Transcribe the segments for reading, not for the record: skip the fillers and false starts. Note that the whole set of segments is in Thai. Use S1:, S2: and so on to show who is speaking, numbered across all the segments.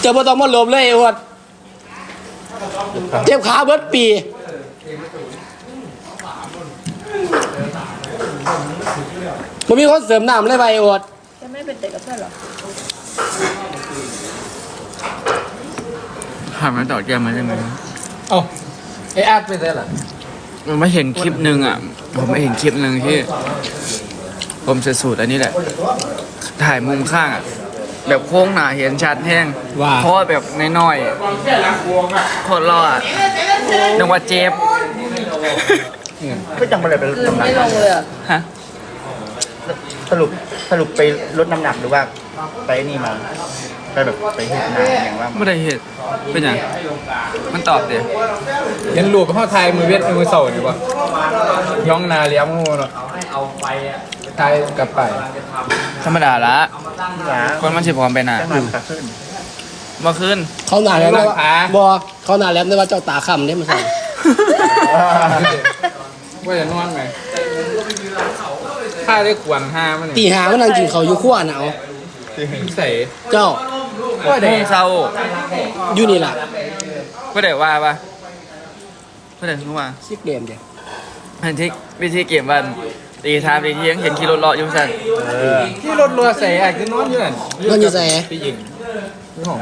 S1: จะบ่ต้องมาหลบเลยไอ้อวดเจ็บขาเบิดปีมันมีคนเสริมน้ำเลยไปไอ้อวด
S2: จะไม่เป็นเด็กกับเพื่อนหรอ
S3: ถามมาต่อแกมาได้ไหม
S4: เอ้าไอ้อาร์ตไปได้หรอ
S3: ผมไม่เห็นคลิปหนึ่งอ่ะผมไม่เห็นคลิปหนึ่งที่ผมจะสูตรอันนี้แหละถ่ายมุมข้างอ่ะแบบโค้งหนาเห็นชัดแห้งเพราะแบบน้อยๆคนรอดนึกว่าเจ็บ
S5: ไม่จังอะไรไปลด
S2: คือ
S5: น้ำหนั
S2: ไม่
S5: ก
S2: ลงเลยอ่ะ
S3: ฮะ
S5: สรุปไปลดน้ำหนักหรือว่าไปนี่มาไปแบบไปเห็นหนาอย่างว่า
S3: ไม่ได้เหตุเป็นอย่างมันตอบเดี๋ยว
S4: ยันลูกกับพ่อไทยมือเวทมือเสาดีกว่าย่องนาเลี้ยงงูเนาะไทยกับไป
S3: ธรรมดาละ
S5: หนา
S3: คนมันสิพร้อมไปน่ะ
S5: จะหันขาขึ้น
S3: เมื่อคืน
S1: เขาหนาแล้วนะบอเขาหนาแล้วนะว่าเจ้าตาค่ำเนี่ยมันสั่ง
S4: ว่าจะนอนไหมข้าได้ขวานห้ามัน
S1: ตี
S4: นี่
S1: หามันนั่งกินเขาอยู่ขั้วหนาว
S4: ใส่
S1: เจ้า
S3: ก็ได้เศร้า
S1: อยู่นี่ล่ะ
S3: ก็ได้ว่าปะก็ได้รู้ว่า
S1: ซิกเดมเดียว
S3: อันที่วิธีเก็บวันตีทามตีเที่ยงเห็นขี่รถเลาะอยู่สั่น
S4: ที่รถรัวใส่อาจจะนอนอยู่นั่น
S1: นอนอยู่ใส่
S4: พี่หญิงนี่ของ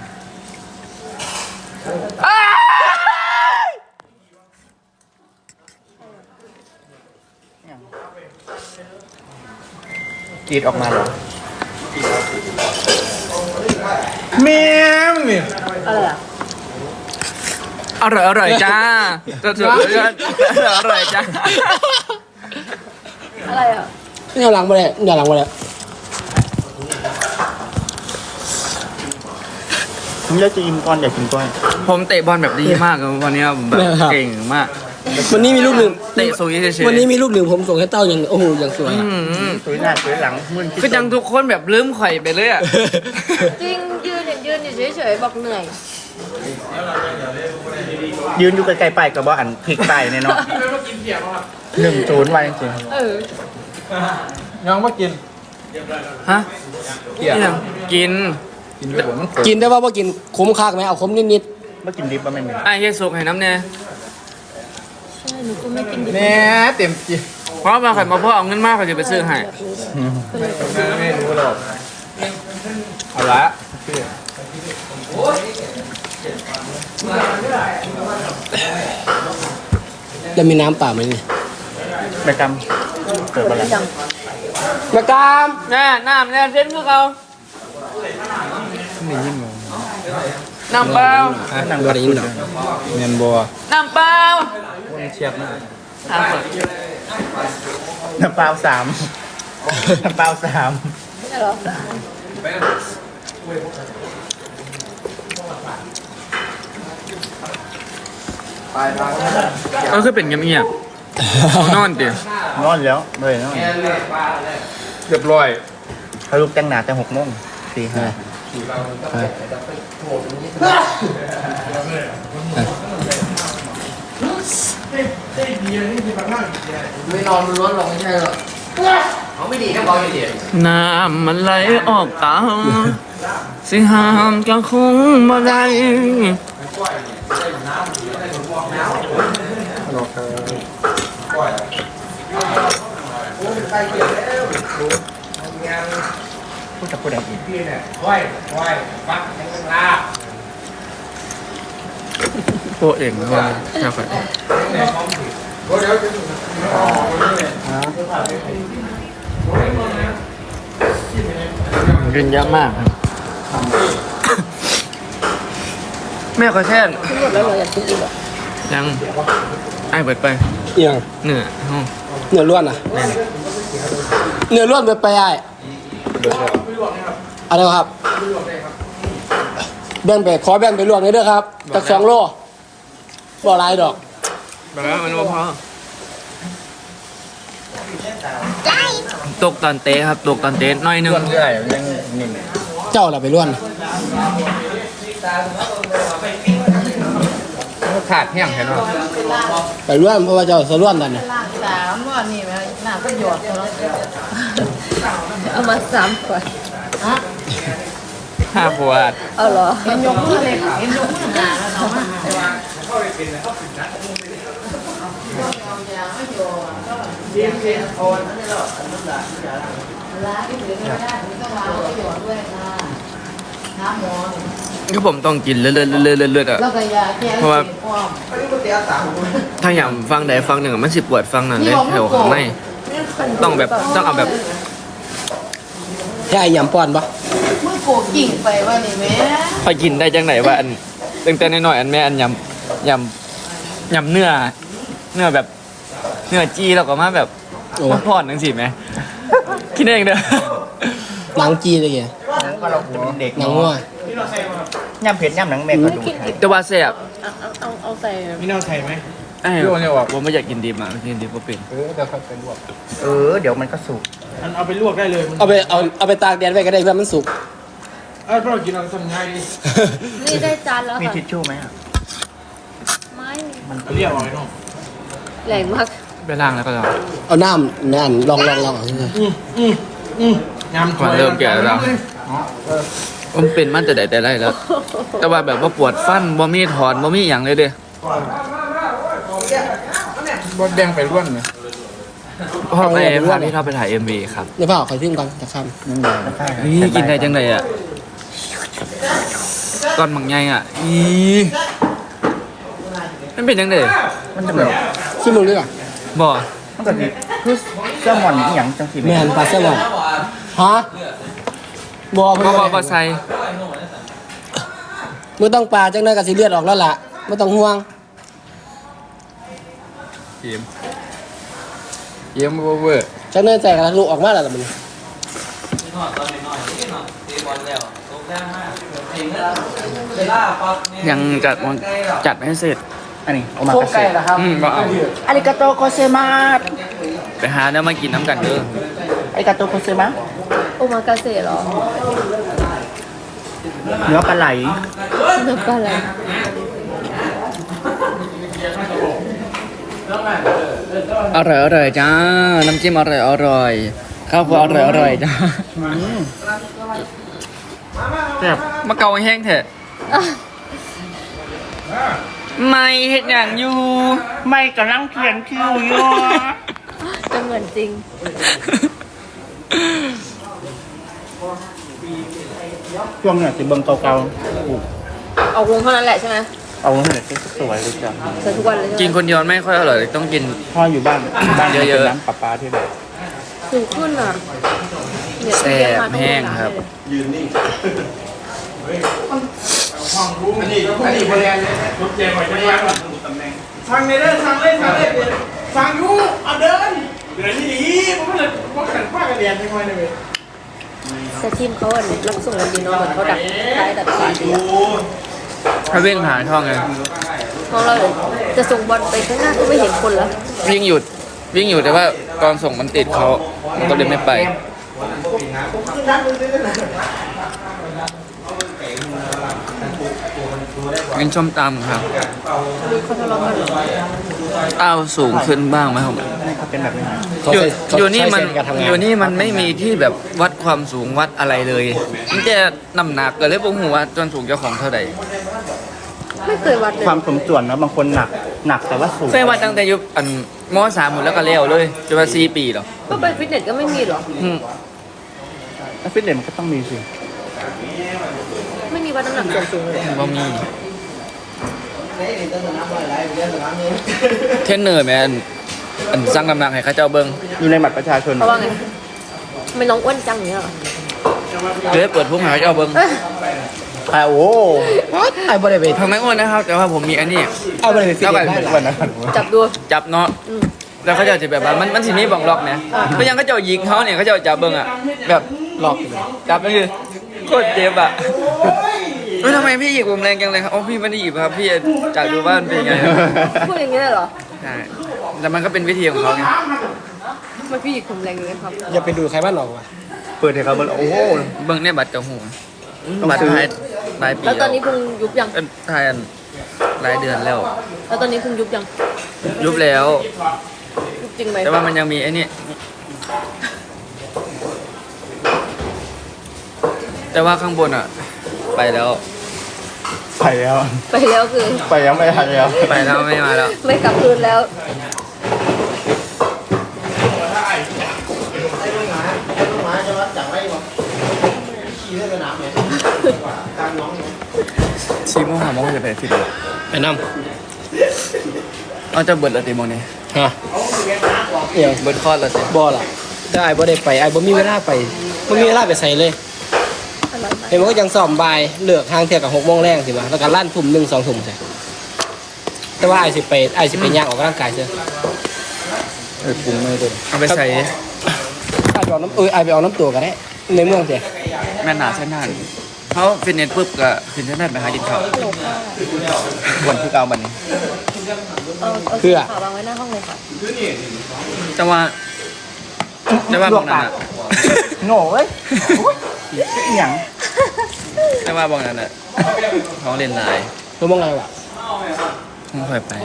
S5: กรีดออกมาเหรอ
S4: แม่มึงนี่
S2: อะไรอ่ะ
S3: อร่อยจ้าตัวสุดอร่อยจ้า
S2: อะไรอ่ะ
S1: เนี่ยหลังมาเลยเนี่ยหลังมาเลย
S5: ผมอยากจะอิ่มก้อนอยากกินก้อน
S3: ผมเตะบอลแบบดีมากเลยวันนี้แบบเก่งมาก
S1: วันนี้มีลูกหนึ่ง
S3: เตะสูงเฉยๆ
S1: วันนี้มีลูกหนึ่งผมส่งให้เต้าอย่างโอ้โหอย่างสวย
S5: สวยหน้าสวยหลังมึน
S3: คือจังทุกคนแบบลืมข่อยไปเลยอ่ะ
S2: จริงยืนอยู่เฉยๆบอกเหนื่อย
S5: ยืนอยู่ไกลๆไปกับว่าอันพลิกไปเนี่ยเนาะ1-0ไว้จริง
S2: เออ
S4: น้องมากิน
S3: ฮะ
S4: เกี่ย
S3: เนี่ยกิน
S4: กินแต่ผมมันขม
S1: กินได้ว่ากินขมคากไหมเอาขมนิด
S5: ๆเมื่อกินดิบว่าไม่มี
S3: ไอ้เฮียสุกให้น้ำเนี่ย
S2: ใช่หนูก็ไม่กินดิบ
S4: แน่เต็มจี
S3: เพราะมาข่อยมาพ่อเอาเงินมากข่อยจะไปซื้อให้
S4: ไม่รู้หรอกเอาละพี่
S1: ๆแล้วมีน้ำเปล่าไหมนี่
S5: แม่กำเกิดอะไร
S2: ยัง
S1: มากาม
S3: แน่น้ำเนี่ยเส้นพวกเรา
S4: ไม่ยิ่งงง
S3: น้ำเปล่า
S1: นั่งบริยินหรอ
S4: เงินบัว
S3: น้ำเปล่า
S4: คนเชียบมาก
S3: ถามก่อน
S5: น้ำเปล่า3น้ำเปล่า3
S2: ไม่ใช่หรอ
S3: ก็คือเป็นเงียบๆนอนเดี๋ยวน
S5: อนแล้วเลยนอน
S4: เรียบร้อย
S5: เขาลุกแต่งหนาแต่6 โมงตีห้า
S1: ไม่นอนล้วนหรอกไม่ใช่หรอเขาไม่ดีแค่บอกอย่างเดียว
S3: น้ำมันไหลออกตาสิห้ามก็คงบ่ได้
S5: พูดกับผู้ใดอีก
S3: โปเองก็ใช่ครับกินเยอะมากครับแม่ขอแช่น
S2: ทั้งหมดแล้วเราอยากกินอีกอ่ะ
S3: ยังไอ้เปิดไป
S1: เอียง
S3: เหนื่อยห้อง
S1: เนื้อล้วนอ่ะเนื้อล้วนไปไอ้อะไรครับแบ่งไปขอแบ่งไปลวกหน่อยเด้อครับจาก2 โลบ่หลายดอก
S3: แบบนั้นมันว่าพอตกตอนเตะครับตกตอนเตะน้อยหนึง
S5: ส่วนเรื่อยยังนิ่ม
S1: เจ้าล่ะไปล้วน
S4: ขาดแห้งแค่นั้น
S1: ไปล้วนเพราะว่าเจ้าสะล้วนนั่นน่ะ
S2: ล่าง3วันนี่แม่หน้าก็หยอดตัวแล้วเอามา3ขวดฮะ
S3: 5 ขวด
S2: เอาเหรอ
S1: เห็นยกมือเลยเห็นยกมือหนาแล้วเนาะ
S3: คือผมต้องกินเรื่อยๆอ่ะ
S1: แล้วก็ยาแก้
S3: เพราะว่า ถ้าอย่างฟังใดฟังหนึ่งอะมันสิปวดฟังนั้นเลยแถวข้างในต้องเอาแบบ
S6: ใช่ยำป้อนปะ
S1: มือโกกิ่งไปว่านี่แม่
S3: ไปกินได้จังไหนว่าอันตั้งแต่น้อยๆอันแม่อันยำเนื้อแบบเนื้อจี้แล้วก็มาแบบมาพอดจังสิแม่คิดเองเด้อ
S6: หนังจีเลยแก
S5: หนังก็เราจะเป็นเด็ก
S6: หนังงัว
S5: ย่ำเผ็ดย่ำหนังแม่ก็ดู
S3: แต่ว่าแซ่บ
S2: เอาใส่
S4: มีแนวไทยไหม
S3: ไอ้
S4: พี่โอเนี่ยบอก
S3: ผมไม่อยากกินดิบอ่ะกินดิบก็เป็น
S4: เดี๋ยวค่อยไปลวก
S5: เดี๋ยวมันก็สุก
S4: มันเอาไปลวกได้เลย
S6: เอาไปตากแดดไว้ก็ได้เพื่อมันสุก
S4: เพราะเรากินเราทำง่ายดี
S2: นี่ได้จานแล้ว
S5: มี
S2: ค่ะ
S5: ทิชชู่ไหมอ่ะ
S2: ไม่มี
S4: มันเรียกเอาไว้เนาะ
S2: แรงมาก
S3: ไปล้างแล้วก็ลอง
S6: เอาน้ำนั่นลองเอา
S4: ยำ
S3: มันเริ่มแก่แล้วผมเป็นมันแต่ใดแต่ไรแล้ว แต่ว่าแบบว่าปวดฟันบ่มีถอนบ่มีอย่างเลยเด้
S4: บดแดงไปร่วนเนี่ย
S3: พ่อไปพาพี่ท็อปไปถ่าย MV ครับ
S6: เดี๋ยวเปล่าขอทิ้งก่อนจะข้าม
S3: นี่กินได้จังไดอ่ะตอนบางใหญ่อ่ะอีมันเป็นจังได
S5: มันจะแบบ
S6: ชิมมึงดีกว่า
S3: บ่
S5: มันก็ดีคือแซลมอนอหย่างจังสิ
S6: แมนปลาแซลมอนฮะบอ
S3: บ่ใส่
S6: มึงต้องปลาจังเลยกับสีเลือดออกแล้วล่ะไม่ต้องห่วง
S4: เยี่ยมเวอร์
S6: จังเลยแจกแล้วลูกออกมาแล้วล่ะมัน
S3: ยังจัดให้เสร็จ
S5: อันนี้โอมากาเสะ
S3: บ่เอา
S5: อาริกาโตโกเซมาส
S3: ไปหาเนื้อมากินน้ำกันเด้อ
S5: อาริกาโตโกเซมาส
S2: โอมากาเสะเหรอ
S5: เนื้อปลาไหล
S2: นึกว่าอะไร
S3: อร่อยจ้าน้ำจิ้มอร่อยข้าวโพดอร่อยจ้า
S5: แซ่บ
S3: มาเกาแห้งเถอะไม่เห็ดอย่างอยู่
S5: ไม่กำลังเขียนคิวอยู่
S2: จะเหมือนจริง
S5: ช่วงเนี่ยสิเบิงเก่า
S2: เอาวงเท่านั้นแหละใช่ไหม
S5: ๆเอาเนี่ยสวยเลยจ้ะ
S2: ใส่ทุกวันเลยใช่ไหม
S3: กินคนเดียวไม่ค่อยอร่อยต้องกิน
S5: พ่ออยู่บ้านบ้าน
S3: เยอะๆ
S5: เป็นน้ำปลาปลาที่แบบ
S2: สูงขึ้นอ่ะเนี่ย
S3: แซ่บแห้งครับ
S4: อันนี้บริเวณรถเจ๊หอยจะยังทางในเด้อทางเล่นทางยูเอาเดินที่ดีผมไม่เลยว่าขันผ้ากันเรียนไม่ค่อยเลย
S2: แต่ทีมเขาอ่ะรับส่งกันดีเนาะเหมือนเขาดักท้ายดักสีดีอะ
S3: ถ้าวิ่งหาช่องไง
S2: ของเราจะส่งบอลไปข้างหน้าก็ไม่เห็นคนแล้ว
S3: วิ่งหยุดแต่ว่าตอนส่งมันติดเขามันก็เลยไม่ไปกินส้มตำครับ
S2: เขาทะเลาะกันเหรอ
S3: อ้าวสูงขึ้นบ้างไหมครับ
S5: นี่เขาเป็นแบบนี้
S3: อยู่นี่มันไม่มีที่แบบวัดความสูงวัดอะไรเลยมันจะน้ำหนักก็เลยบ่ฮู้ว่าจนสูงเจ้าของเท่าใด
S2: ไม่เคยวัดเลย
S5: ความสมส่วนเนาะบางคนหนักแต่ว่าสูง
S3: เคยวัดตั้งแต่ยุคอันม.3 หมดแล้วก็เลี้ยวเลยจนว่า4 ปีหรอ
S2: ก็ไปฟิตเนสก็ไม่มีหรอ
S3: อืม
S5: แล้วฟิตเนสมันก็ต้องมีสิ
S2: ไม่มีวัดน้ำหนักส่วนสูงเลย
S3: บ่มีเทรนเนอร์แม่อันสร้างน้ำหนักให้เขาเจ้าเบิ่ง
S5: อยู่ในบัตรประชาชน
S2: เพราะว่าไงทำไม่น้องอ้วนจังอย่างเงี้ยเหรอ
S3: เลยเปิดพุ่งให้เขาเจ้าเบิ่ง
S5: โอ้
S6: ไอ้บริเวณ
S3: ทำไมอ้วนนะครับ แต่ว่าผมมีอันนี้
S6: เอาบริเวณฟิตเนสได้หรอ
S5: วันนั้น
S2: จับดู
S3: จับเนาะแล้วเขาเจ้าจะแบบว่ามันสิมีบ่องล็อกนะก็ยังเขาเจ้ายิงเขาเนี่ยเขาเจ้าจับเบิ่งอ่ะแบบ
S6: หลอก
S3: จับนั่นคือโคตรเจ็บอ่ะทำไมพี่หยิบผมแรงจังเลยครับอ๋อพี่ไม่ได้หยิบครับพี่จับดูว่ามันเป็นยังไง
S2: พูดอย่างเงี้ยเหรอ
S3: ใช่แต่มันก็เป็นวิธีของเขาไง
S2: มันพี่หยิกผมแรงเลยครับ
S6: อย่าไปดูใครบ้านหรอกว่ะ
S5: เปิดให้เขาเบิ่งโอ้โห
S3: เบิ่งในบัตรกับหู
S5: ต้อง
S3: บัตร
S5: ซื้อ
S3: ไทยรายปี
S2: แล้วตอนนี้พุงยุบยัง
S3: ไทยรายเดือนแล้ว
S2: แล้วตอนนี้พุงยุบยัง
S3: ยุบแล้ว
S2: ยุบจริงไหม
S3: แต่ว่ามันยังมีไอ้นี่แต่ว่าข้างบนอ่ะไปแล้ว
S5: ไปแล้ว
S2: ไปแล้วคือ
S5: ไปแล้วไม่ทันแล้ว
S3: ไปแล้วไม่มาแล้ว
S2: ไม่กลับคืนแล้ว
S1: ลูกหมาจะรัดจากไว้ก่อนขี่ได้สนามเนี่ยกลางน้องเนี่ย
S3: 4 โมง 5 โมงจะไปฟิต
S6: ไปนำ
S3: เอาจะเบิดละตีโมงนี้
S6: ฮะเดี๋ยว
S3: เบิดคอดละตี
S6: บ่ล่ะแต่ไอ้บ่ได้ไปไอ้บ่มีเวลาไปบ่มีเวลาไปใส่เลย
S2: อร่อยมาก
S6: เห็นมันก็ยังซ้อมบ่ายเลิกทางเที่ยงกับ6 โมงแรงสิว่าแล้วก็ลั่นทุ่ม1 2 ทุ่มใช่แต่ว่าไอ้สิไปย่างออกกำลังกายเสีย
S5: ปรุงไม่ได้
S3: เอาไปใส่
S6: ไอ้ไปเอาน้ำไอ้ไปเอาน้ำตัวก็ได้ในเมืองเสีย
S3: แม่นหนาเส้นหนานเขาฟิตเนสปุ๊บก็ขึ้นเส้นหนานไปหากินข้าว
S2: ฮัลโหลค่ะ
S5: วันที่เก้าวันนี้
S2: เอาสีขาววางไว้หน้าห้องเลยค่ะ
S3: แต่ว่าบางนั้นอะ
S5: โง่เว้ยอย่าง
S3: แต่ว่าบางนั้นอะท้องเรียนลาย
S6: รู้มั้งไงวะ
S3: ผมเคยไป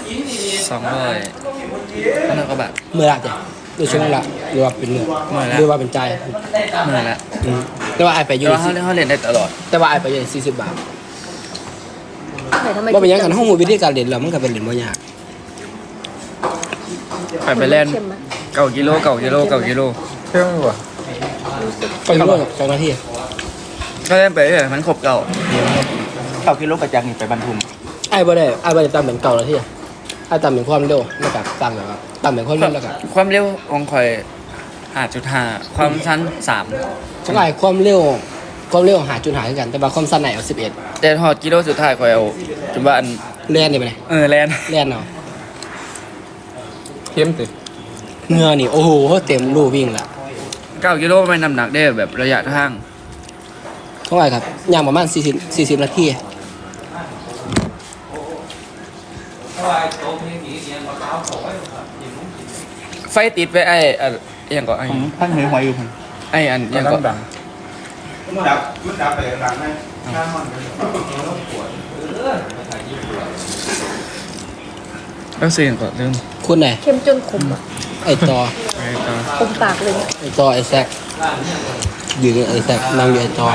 S3: 200 1,000 กว่าบาท
S6: เมื่อละจ้ะดูช่วงละหรือว่าเป็นเมื่อ
S3: เมื่อละ
S6: หรือว่าเป็นใจ
S3: เมื่อแล้ว
S6: แต่ว่าไอ้ไปอ
S3: แต่
S6: ยู่
S3: ว่าเขาเรียนได้ตลอด
S6: แต่ว่าไอ้ไปอยู่40 บาท
S2: ไหนทำไม
S6: ว่าเป็นหยังกันห้องมูวิธีการเรียนเรามันก็เป็นเรียนบ่ยาก
S3: ไปเล่น
S2: เค็มไหม
S3: 9 กิโล
S5: เครื่องวะ
S6: ไปรู้ว่า2 นาที
S3: ก็เล่นไปเรื่อยมันครบเก่า
S5: 9 กิโลกระจังนี่ไปบรรทุม
S6: ไอ้บ่ได้ตามเป็น9 นาทีไอ้ตามเป็นความเร็วแล้วก็ตามแบบว่าตามเป็นความเร็วแล้วก็
S3: ความเร็วของข่อย5.5 ความสั้น
S6: ช่างไอ้ความเร็วหาจุดหาคือกันแต่ว่าความสั้นไหนเอา11
S3: 3แต่ทอดกิโลสุดท้ายข่อยเอาจนว่าอัน
S6: เรียนได้ไปไหน
S3: แลน
S6: เรียนเอา
S5: เข้มติ
S6: เหงื่อนี่โอ้โหเต็มรูวิ่งละ
S3: 9 กิโลไม่น้ำหนักได้แบบระยะทาง
S6: เท่าไหร่ครับย่างประมาณ40 นาที
S3: ไฟติดไปไอ้อันยังก็ไอ้
S5: ผมท่านเหนื่อยหัวอยู่ผม
S3: ไอ้อันยังก็
S4: มันดับไปดังไหมข้ามมัน
S3: แล้วสิ่งก็ลืม
S6: คุณไหน
S2: เค็มจนขมอ่ะ
S6: ไอ้ต่อ
S3: ไอ้ต่อ
S2: ขมปากเลยเนี่ย
S6: ไอ้ต่อไอ้แซกอยู่นี่ไอ้แซกนั่งอยู่ไอ้ต่อ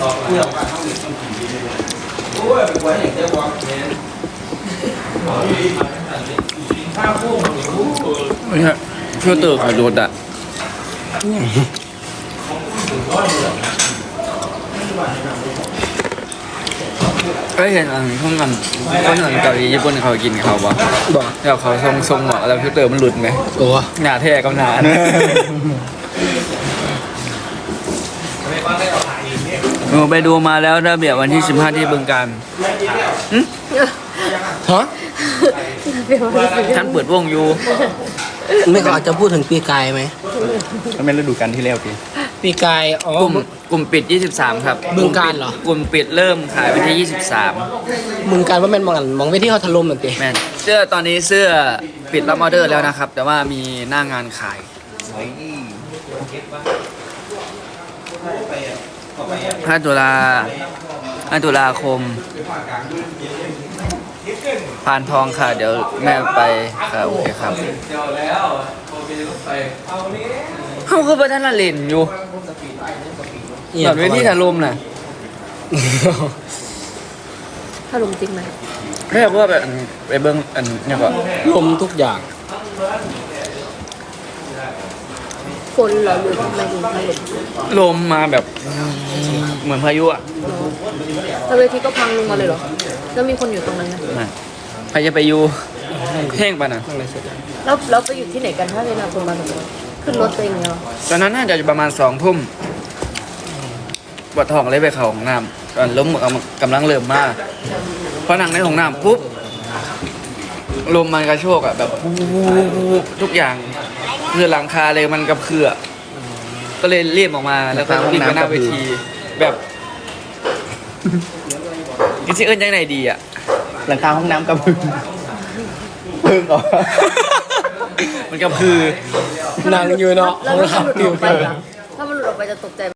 S3: เนี่ยฟิลเตอร์ข่อยโดดอ่ะก็เห็นอันพวกมันคนอันเกาหลีญี่ปุ่นเขากินเขาบ่
S6: บอก
S3: แล้วเขาทรงบอกแล้วฟิลเตอร์มันหลุดไหม
S6: โอ้
S3: หนาแท้กับหนาไปดูมาแล้วระเบียบวันที่ 15 ที่บึงการ
S6: ฮะ
S3: ท่านเปิดวงอยู่
S6: ไม่เขาอาจจะพูดถึงปีกายไหม
S5: มันเป็นฤดูกาลที่แล้วที
S6: ปีกายอ๋อก
S3: ลุ่มปิด 23 ครับ
S6: บึงการเหรอก
S3: ลุ่มปิดเริ่มขายวันที่
S6: มึงการว่าแม่นมองไปที่เขาถล่มนั่นเอง
S3: 23 แม่นเสื้อตอนนี้เสื้อปิดรับออเดอร์แล้วนะครับ แต่ว่ามีหน้างานขาย 5 ตุลาคมพานทองค่ะ เดี๋ยวแม่ไปค่ะโอเคครับเขาคือประธานละเล่นอยู่แบบเวทีถล่มน่ะ
S2: ถ้าลมจริงไหม
S3: เรียกว่าแบบไปเบิ้งอันเนี่ยก็
S6: ลมทุกอย่าง
S2: ฝนเหรอหรือทำไมถึงถล่ม
S3: ลมมาแบบเหมือนพายุอ่ะ
S2: แล้วเวทีก็พังลงมาเลยเหรอ แล้วมีคนอยู่ตรงนั้นไหม
S3: มาใครจะไปอยู่เพ่งปะน่ะ
S2: แล้วไปอยู่ที่ไหนกันถ้าเวลาคนมาตรงนั้นขึ้นรถตัวเองเหรอ
S3: ตอนนั้นน่าจะประมาณ2 ทุ่มปวดท้องเลยไปเข้าห้องน้ำตอนล้มกำลังเริ่มมากพอนั่งในห้องน้ำปุ๊บลมมันกระโชกอ่ะแบบทุกอย่างคือหลังคาเลยมันกระเพื่อก็เลยรีบออกมาแล้วก็วิ่งไปหน้าเวทีแบบกิซิเอิญยังไงดีอ่ะ
S5: หลังคาห้องน้ำกระพึ่งพึ่งเหรอ
S3: มันกระพือ
S6: นั่งอยู่เนาะ
S2: แล้วถ้ามันหลุดออกไปล่ะถ้ามันหลุดออกไปจะตกใจ